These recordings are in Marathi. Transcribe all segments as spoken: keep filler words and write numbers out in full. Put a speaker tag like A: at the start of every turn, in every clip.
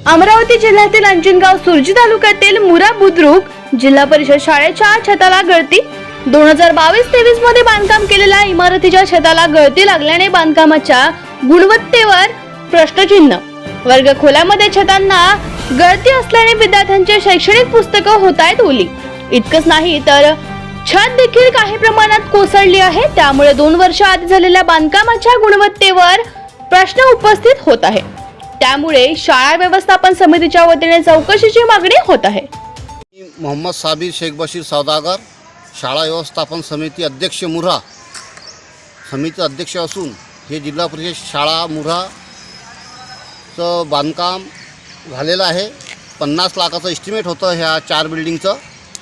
A: अमरावती जिल्ह्यातील अंजनगाव सुरजी तालुक्यातील मुरा बुद्रुक जिल्हा परिषद शाळेच्या छताला गळती. दोन हजार बावीस तेवीस मध्ये बांधकाम केलेल्या इमारतीच्या छताला गळती लागल्याने बांधकामाच्या गुणवत्तेवर प्रश्नचिन्ह. वर्ग खोल्यामध्ये छतांना गळती असल्याने विद्यार्थ्यांचे शैक्षणिक पुस्तकं होत आहेत ओली. इतकंच नाही तर छत देखील काही प्रमाणात कोसळली आहे. त्यामुळे दोन वर्ष आधी झालेल्या बांधकामाच्या गुणवत्तेवर प्रश्न उपस्थित होत आहे. त्यामुळे शाळा व्यवस्थापन समितीच्या वतीने चौकशीची मागणी होत आहे.
B: मोहम्मद साबिर शेख बशीर सौदागर, शाळा व्यवस्थापन समिती अध्यक्ष मुरा समिती अध्यक्ष असून हे जिल्हा परिषद शाळा मुराचं बांधकाम झालेलं आहे. पन्नास लाखाचं एस्टिमेट होतं ह्या चार बिल्डिंगचं.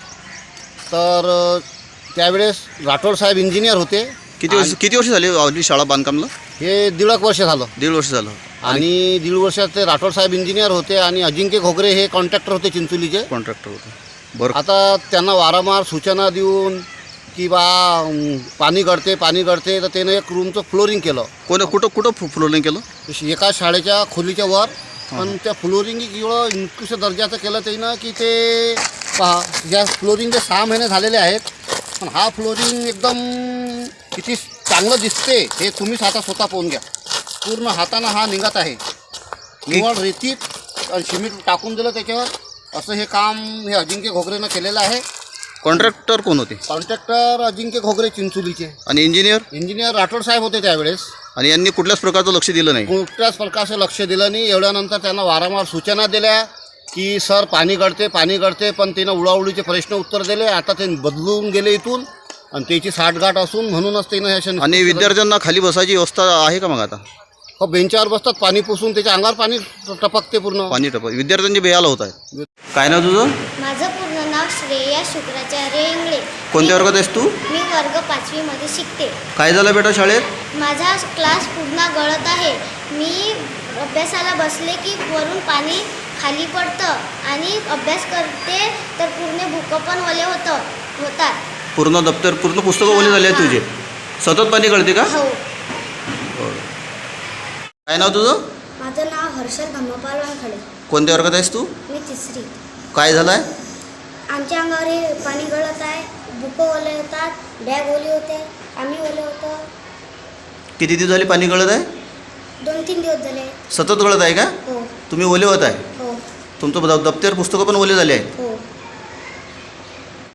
B: तर त्यावेळेस राठोड साहेब इंजिनियर होते.
C: किती वर्ष किती वर्ष झाली आपली शाळा बांधकामला?
B: हे दीड एक वर्ष झालं.
C: दीड वर्ष झालं.
B: आणि दीड वर्षात ते राठोड साहेब इंजिनियर होते आणि अजिंक्य घोगरे हे कॉन्ट्रॅक्टर होते चिंचोलीचे.
C: कॉन्ट्रॅक्टर होते. बरं.
B: आता त्यांना वारंवार सूचना देऊन की बा पाणी गळते पाणी गळते तर त्यानं एक रूमचं फ्लोरिंग केलं.
C: कोण कुठं कुठं फ्लोरिंग केलं?
B: एका शाळेच्या खोलीच्या वर. पण त्या फ्लोरिंग एवढं निकृष्ट दर्जाचं केलं त्यानं की ते पहा या फ्लोरिंगचे सहा महिने झालेले आहेत. पण हा फ्लोरिंग एकदम किती चांगलं दिसते हे तुम्हीच आता स्वतः पाहून घ्या. पूर्ण हातानं हा निघत आहे. निवड रेतीत आणि सिमेंट टाकून दिलं त्याच्यावर. असं हे काम हे अजिंक्य घोगरेनं केलेलं आहे.
C: कॉन्ट्रॅक्टर कोण होते?
B: कॉन्ट्रॅक्टर अजिंक्य घोगरे चिंचोलीचे.
C: आणि इंजिनियर?
B: इंजिनियर राठोड साहेब होते त्यावेळेस.
C: आणि यांनी कुठल्याच प्रकारचं लक्ष दिलं नाही?
B: कुठल्याच प्रकारचं लक्ष दिलं नाही. एवढ्यानंतर त्यांना वारंवार सूचना दिल्या की सर पाणी गळते पाणी गळते. पण त्यानं उडाउडीचे प्रश्न उत्तर दिले. आता ते बदलून गेले इथून आणि त्याची साठगाठ असून म्हणूनच त्यानं ह्या.
C: आणि विद्यार्थ्यांना खाली बसायची व्यवस्था आहे का मग आता?
B: हो, बेंचावर बसतात. पाणी पुसून त्याच्या अंगावर पाणी टपकते पूर्ण.
C: पाणी टपक विद्यार्थ्यांची बेहाल होत आहे. काय नाव तुझं?
D: माझं पूर्ण नाव श्रेया शुक्राचार्य इंगळे.
C: कोणत्या वर्गात आहेस तू?
D: मी वर्ग पाचवीमध्ये शिकते.
C: काय झालं बेटा शाळेत?
D: माझा क्लास पूर्ण गळत आहे. मी अभ्यासाला बसले की वरून पाणी खाली पडतं आणि अभ्यास करते तर पूर्ण बुकं पण ओले होतं होतात.
C: पूर्ण दप्तर पूर्ण पुस्तकं ओले झाले आहेत तुझे? सतत पाणी गळते का?
D: हो.
C: काय नाव तुझं?
D: माझं नाव हर्षद धम्मपाल वानखडे.
C: कोणत्या वर्गात आहेस तू?
D: मी तिसरी.
C: काय झालं आहे?
D: आमच्या अंगावर हे पाणी गळत आहे. बुकं ओले होतात. बॅग ओली होते. आम्ही ओले होतो.
C: किती दिवस झाले पाणी गळत आहे?
D: दोन तीन दिवस झाले.
C: सतत गळत आहे का?
D: हो
C: तुम्ही ओले होत आहे?
D: हो
C: तुमचं द- दप्तर पुस्तकं पण ओले झाले आहेत?
D: हो.